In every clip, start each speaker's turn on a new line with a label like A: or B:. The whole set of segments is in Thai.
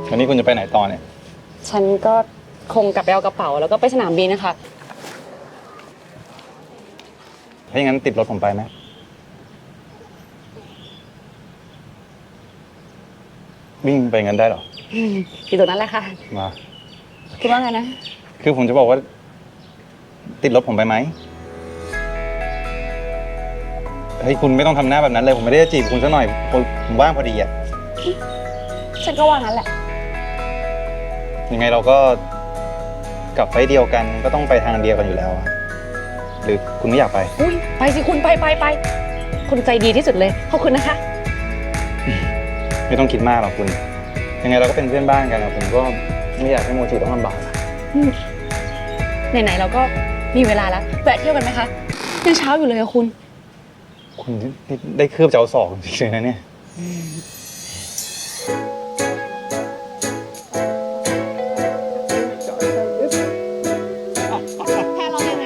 A: วันนี้คุณจะไปไหนต่อเนี่ย
B: ฉันก็คงกลับไปเอากระเป๋าแล้วก็ไปสนามบินนะคะ
A: ถ้าอย่างนั้นติดรถผมไปไหมวิ่งไปงั้นได้หรอ
B: อยู่ตรงนั้นแหละค่ะ
A: มา
B: คิดว่าไงนะ
A: คือผมจะบอกว่าติดรถผมไปไหมเฮ้ยคุณไม่ต้องทำหน้าแบบนั้นเลยผมไม่ได้จะจีบคุณซะหน่อยผมว่างพอดีอ่ะ
B: ฉันก็ว่างั้นแหละ
A: ยังไงเราก็กลับไฟเดียวกันก็ต้องไปทางเดียวกันอยู่แล้วหรือคุณไม่อยากไป
B: ไปสิคุณไปคุณใจดีที่สุดเลยขอบคุณนะคะ
A: ไม่ต้องคิดมากหรอกคุณยังไงเราก็เป็นเพื่อนบ้านกันนะผมก็ไม่อยากให้โมจิต้องลำบาก
B: ไหนๆเราก็มีเวลาแล้วแวะเที่ยวกันไหมคะยังเช้าอยู่เลยอะคุณ
A: ได้คืบเจ้าศอกจริงๆเลยนะเนี่ย
B: แพ้ร้องยังไง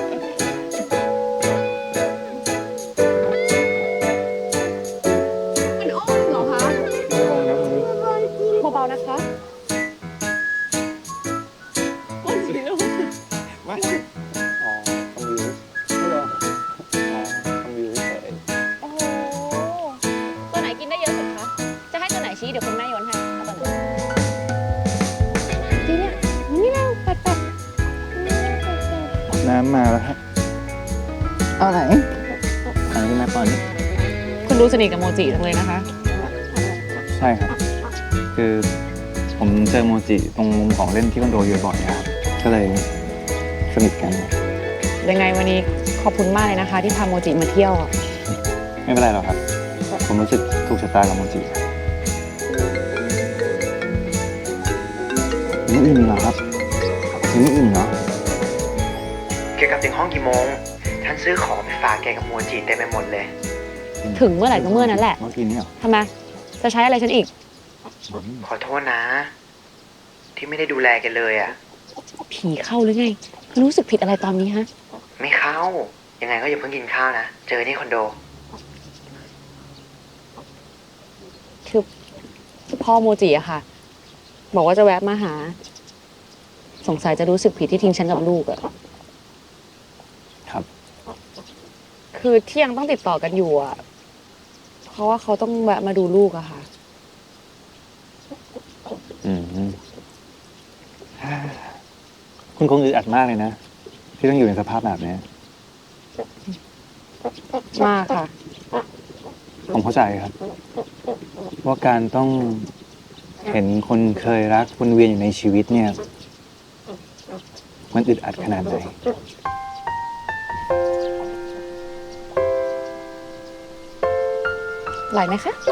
B: มันอ้อมเหรอคะเบาๆนะคะ
A: ไม่อ๋อทำวิวไม่หรออ๋อทำวิวเฉย
B: โอ้โหตัวไหนกินได้เยอะสุดคะจะให้ตัวไหนชี้เดี๋ยวคุณแม่โยนให้เอาตัวไหนทีเนี้ยนี่แล้วปัด
A: น้ำมาแล้วฮะเอาไหนขึ้นมาก่อน
B: คุณดูสนิทกับโมจิจังเลยนะคะ
A: ใช่ครับคือผมเจอโมจิตรงมุมของเล่นที่คอนโดอยู่บ่อยครับก็เลยสนิทกัน
B: ยังไงวันนี้ขอบคุณมากเลยนะคะที่พาโมจิมาเที่ยว
A: ไม่เป็นไรหรอกครับผมรู้สึกถูกชะตากับโมจินี่อิ่มเหรอครับนี่อิ่มเหรอ
C: แกกลับถึงห้องกี่โมงฉันซื้อของไปฝากแกกับโมจิเต็มไปหมดเลย
B: ถึงเมื่อไหร่ก็เมื่อนั้นแหละ
A: เมื่อกี้นี่เหรอ
B: ทำไมจะใช้อะไรฉันอีก
C: ขอโทษนะที่ไม่ได้ดูแลแกเลยอ่ะ
B: ผีเข้าหรือไงรู้สึกผิดอะไรตอนนี้ฮะ
C: ไม่เข้ายังไงก็อย่าเพิ่งกินข้าวนะเจอที่คอนโด
B: คือพ่อโมจิอะค่ะบอกว่าจะแวะมาหาสงสัยจะรู้สึกผิดที่ทิ้งฉันกับลูกอะ
A: ครับ
B: คือที่ยังต้องติดต่อกันอยู่อะเพราะว่าเขาต้องแวะมาดูลูกอะค่ะ
A: คุณคงอึดอัดมากเลยนะที่ต้องอยู่ในสภาพแบบนี้
B: มากค่ะ
A: ผมเข้าใจครับว่าการต้องเห็นคนเคยรักวนเวียนอยู่ในชีวิตเนี่ยมันอึดอัดขนาดไหน
B: ไหลไหมคะ